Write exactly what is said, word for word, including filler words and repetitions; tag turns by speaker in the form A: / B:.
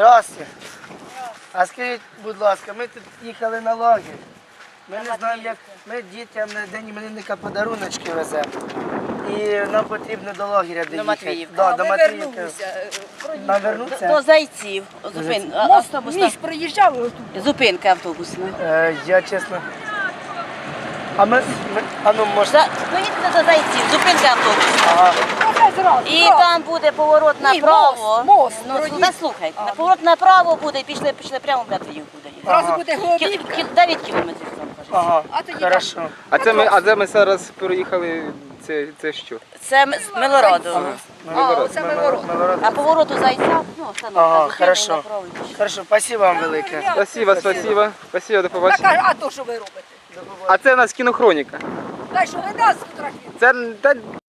A: Здравствуйте. А скажіть, будь ласка, ми тут їхали на лагерь. Ми не знаємо, як ми дітям на день іменинника подаруночки веземо. І нам потрібно до лагеря доїхати.
B: Матвіївки.
A: Да,
B: А,
A: до
B: ми
A: Матвіївки.
B: вернулися.
A: Нам вернуться?
B: До Зайців. Зупин... а-
C: Мост,
B: автобусна.
C: міст проїжджав отут.
B: Зупинка автобусна.
A: Е, я чесно. А ми, ми а ну може.
B: За... Поїдете до Зайців, зупинка автобусна.
A: Ага.
C: Оце зразу.
B: І
C: зразу.
B: там буде поворот
C: Ні,
B: направо.
C: мост, мост,
B: Ну,
C: проїзд.
B: слухай, слухай. На поворот направо буде і пішли, пішли прямо в Матвіївку доїдемо.
C: Зразу
A: Ага.
C: буде
B: Кі-
C: Голубівка.
B: кі- дев'ять кілометрів там, кажуть.
A: Ага.
C: А тоді
A: Хорошо.
D: А це ми, а де ми зараз переїхали? Це, це що?
B: Це М- з Милороду.
C: А, оце ми ворот.
A: Милород.
B: А поворот у Зайця, ну, остановка.
A: Ага,
B: зупинка
A: хорошо.
B: направо і пішли.
A: Хорошо, спасибо вам велике.
D: Спасибо, спасибо. Спасибо, до
C: Так,
D: побачення.
C: а а то що ви робите?
D: А це у нас кінохроніка.
C: Та що ви нас фотографуєте?
D: Це та,